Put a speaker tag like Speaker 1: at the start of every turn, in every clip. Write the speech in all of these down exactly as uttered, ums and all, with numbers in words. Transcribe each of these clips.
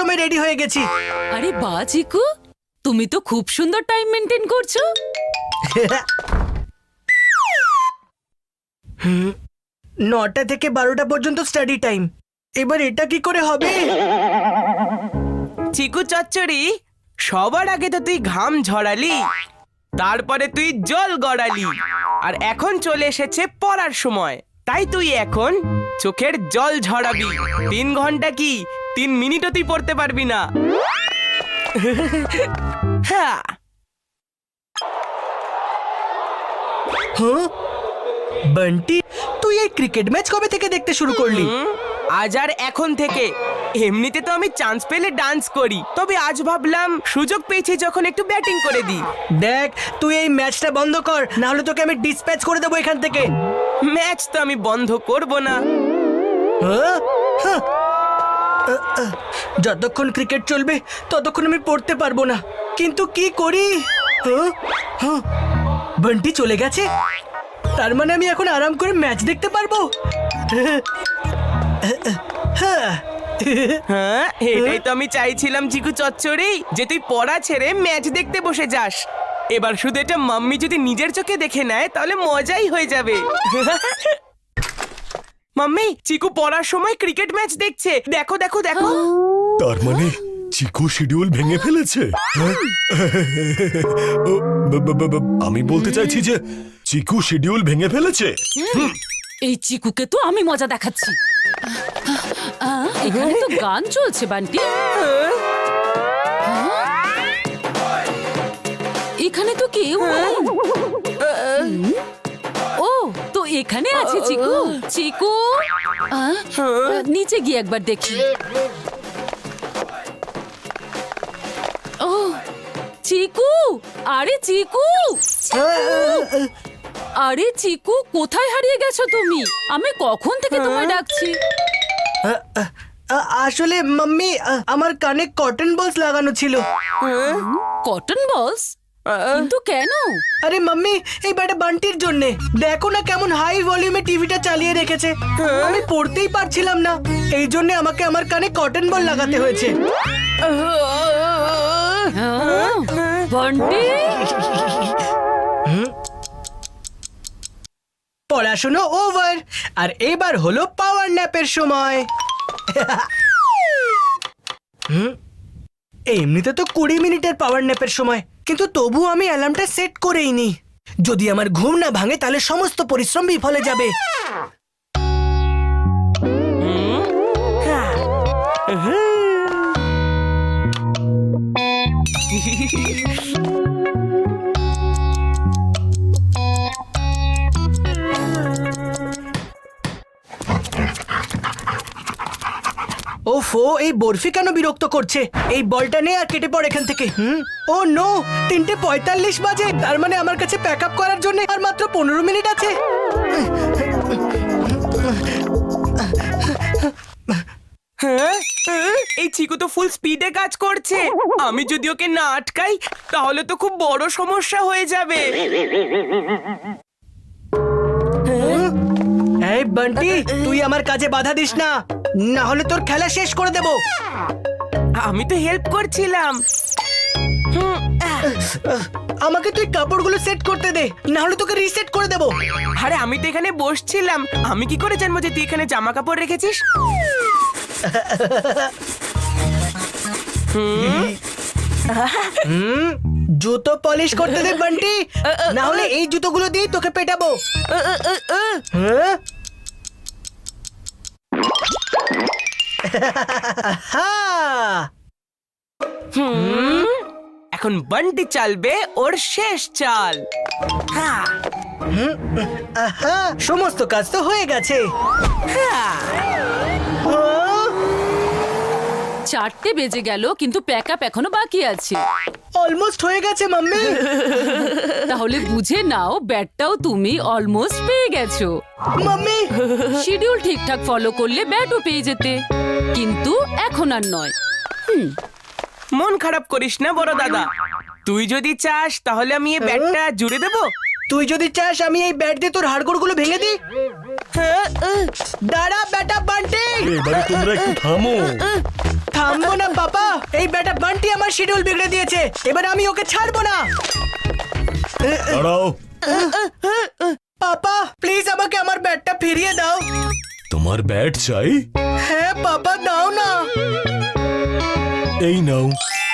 Speaker 1: সময় রেডি হয়ে গেছি।
Speaker 2: আরে বাহ চিকু, তুমি তো খুব সুন্দর টাইম মেনটেন করছো।
Speaker 1: নটা থেকে বারোটা পর্যন্ত স্টাডি টাইম। এবার এটা কি করে হবে?
Speaker 3: চিকু চচ্চড়ি, সবার আগে তো তুই ঘাম ঝরালি, তারপরে তুই জল গড়ালি, আর এখন চলে এসেছে পড়ার সময়। তাই তুই এখন চোখের জল ঝরাবি। তিন ঘন্টা কি তিন মিনিটও তুই পড়তে পারবি না। হ্যাঁ,
Speaker 1: হ্যাঁ বান্টি, তুই এই ক্রিকেট ম্যাচ কবে থেকে দেখতে শুরু করলি?
Speaker 3: হুম, আজ আর এখন থেকে। এমনিতে তো আমি চান্স পেলে ডান্স করি, তবে আজ ভাবলাম সুযোগ পেয়েছি যখন একটু ব্যাটিং করে দিই।
Speaker 1: দেখ, তুই এই ম্যাচটা বন্ধ কর, না হলে তোকে আমি ডিসপ্যাচ করে দেবো এখান থেকে।
Speaker 3: ম্যাচ তো আমি বন্ধ করব না।
Speaker 1: হ্যাঁ? হ্যাঁ। আহ, আহ, যতক্ষণ ক্রিকেট চলবে ততক্ষণ আমি পড়তে পারবো না, কিন্তু কি করি? হ্যাঁ? হ্যাঁ। বান্টি চলে গেছে, তার মানে আমি এখন আরাম করে ম্যাচ দেখতে পারবো। হ্যাঁ,
Speaker 3: হ্যাঁ, এটাই তো আমি চাইছিলাম চিকু চচ্চড়ি, যে তুই পড়া ছেড়ে ম্যাচ দেখতে বসে যাস। এবার শুধু এটা মাম্মি যদি নিজের চোখে দেখে নেয় তাহলে মজাই হয়ে যাবে। মাম্মি, চিকু পড়ার সময় ক্রিকেট ম্যাচ দেখছে, দেখো দেখো দেখো।
Speaker 4: তার মানে চিকু শিডিউল ভেঙে ফেলেছে? হ্যাঁ? ও, ব- ব- ব- ব- আমি বলতে চাইছি যে চিকু শিডিউল ভেঙে ফেলেছে।
Speaker 2: এই চিকুকে তো আমি মজা দেখাচ্ছি। আহ, এখানে তো গান চলছে বান্টি। হ্যাঁ? এখানে তো কেউ নেই। হুম? ও, তো এখানে আছে চিকু। চিকু, আহ, নিচে গিয়ে একবার দেখি। ও চিকু, আরে চিকু, আরে চিকু, কোথায় হারিয়ে গেছো তুমি? আমি কখন থেকে তোমায় ডাকছি।
Speaker 1: আ- আসলে মাম্মি, আ- আমার কানে কটন বলস লাগানো ছিল।
Speaker 2: কটন বলস? কিন্তু কেন?
Speaker 1: আরে মাম্মি, এই ব্যাটা বান্টির জন্য। দেখো না কেমন হাই ভলিউমে টিভিটা চালিয়ে রেখেছে। আমি পড়তেই পারছিলাম না, এই জন্য আমাকে আমার কানে কটন বল লাগাতে হয়েছে।
Speaker 2: হ্যাঁ, বান্টি,
Speaker 1: পড়াশোনা ওভার, আর এবার হলো পাওয়ার ন্যাপের সময়। হুম, এমনিতে তো কুড়ি মিনিটের পাওয়ার ন্যাপের সময়, কিন্তু তবু আমি অ্যালার্মটা সেট করেই নি। যদি আমার ঘুম না ভাঙে তাহলে সমস্ত পরিশ্রম বিফলে যাবে। ওফো, এই বরফি কেন বিরক্ত করছে? এই বলটা নে আর কেটে পড় এখান থেকে। হুম, ও নো, তিনটে পঁয়তাল্লিশ বাজে, তার মানে আমার কাছে প্যাক আপ করার জন্য আর মাত্র পনেরো মিনিট আছে।
Speaker 3: হ্যাঁ, হ্যাঁ, এই চিকু তো ফুল স্পিডে কাজ করছে। আমি যদি ওকে না আটকাই তাহলে তো খুব বড় সমস্যা হয়ে যাবে।
Speaker 1: এই বান্টি, তুই আমার কাজে বাধা দিস না, না হলে তোর খেলা শেষ করে দেব।
Speaker 3: আমি তো হেল্প করছিলাম। হুম, আহ,
Speaker 1: আমাকে তুই কাপড়গুলো সেট করতে দে, না হলে তোকে রিসেট করে দেব।
Speaker 3: আরে আমি তো এখানে বসছিলাম, আমি কি করে জানবো যে তুই এখানে জামা কাপড় রেখেছিস?
Speaker 1: হুম, জুতো পলিশ করতে দে বান্টি, না হলে এই জুতোগুলো দিয়ে তোকে পেটাবো। হ্যাঁ? হ্যাঁ।
Speaker 3: হুম, এখন বান্টি চালবে ওর শেষ চাল। হ্যাঁ,
Speaker 1: আহা, সমস্ত কাজ তো হয়ে গেছে।
Speaker 3: হ্যাঁ।
Speaker 1: হ্যাঁ?
Speaker 2: চারটে বেজে গেল, কিন্তু প্যাক আপ এখনো বাকি আছে।
Speaker 1: অলমোস্ট হয়ে গেছে মাম্মি।
Speaker 2: তাহলে বুঝে নাও, ব্যাটটাও তুমি অলমোস্ট পেয়ে গেছো।
Speaker 1: মাম্মি,
Speaker 2: শিডিউল ঠিকঠাক ফলো করলে ব্যাটও পেয়ে যেতে, কিন্তু এখন আর নয়। হুম,
Speaker 3: মন খারাপ করিস না বড় দাদা, তুই যদি চাস তাহলে আমি এই ব্যাটটা জুড়ে দেবো।
Speaker 1: তুই যদি চাস আমি এই ব্যাট দিয়ে তোর হাড়গোড়গুলো ভেঙে দিই।
Speaker 3: হ্যাঁ, আহ,
Speaker 1: দাঁড়া বেটা বান্টি।
Speaker 4: এবারে তোমরা একটু থামো।
Speaker 1: থামবো না পাপা, এই বেটা বান্টি আমার শিডিউল বিগড়ে দিয়েছে, এবার আমি ওকে ছাড়বো না।
Speaker 4: দাঁড়াও,
Speaker 1: পাপা প্লিজ আমাকে আমার ব্যাটটা ফিরিয়ে দাও।
Speaker 4: তোমার ব্যাট চাই?
Speaker 1: হ্যাঁ পাপা দাও না।
Speaker 4: এই নাও।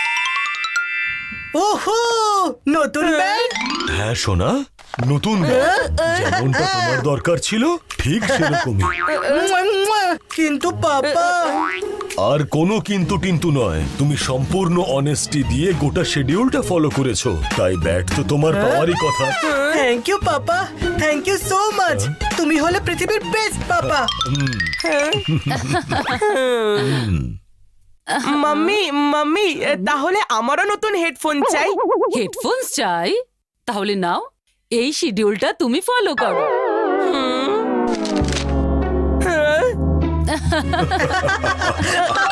Speaker 1: ওহো, নতুন ব্যাট।
Speaker 4: হ্যাঁ সোনা, নতুন ব্যাট। যেমনটা তোমার দরকার ছিল ঠিক সেরকমই।
Speaker 1: মুয়া, মুয়া। কিন্তু পাপা,
Speaker 4: আর কোনো কিন্তু টিন্তু নয়, তুমি সম্পূর্ণ অনেস্টি দিয়ে গোটা শিডিউলটা ফলো করেছো, তাই ব্যাট তো তোমার পাওয়ারই কথা।
Speaker 1: Thank you papa, thank you so much. তুমি হলে পৃথিবীর বেস্ট পাপা।
Speaker 3: মাম্মি মাম্মি তাহলে আমারও নতুন হেডফোন চাই।
Speaker 2: হেডফোনস চাই? তাহলে নাও, এই শিডিউলটা তুমি ফলো করো।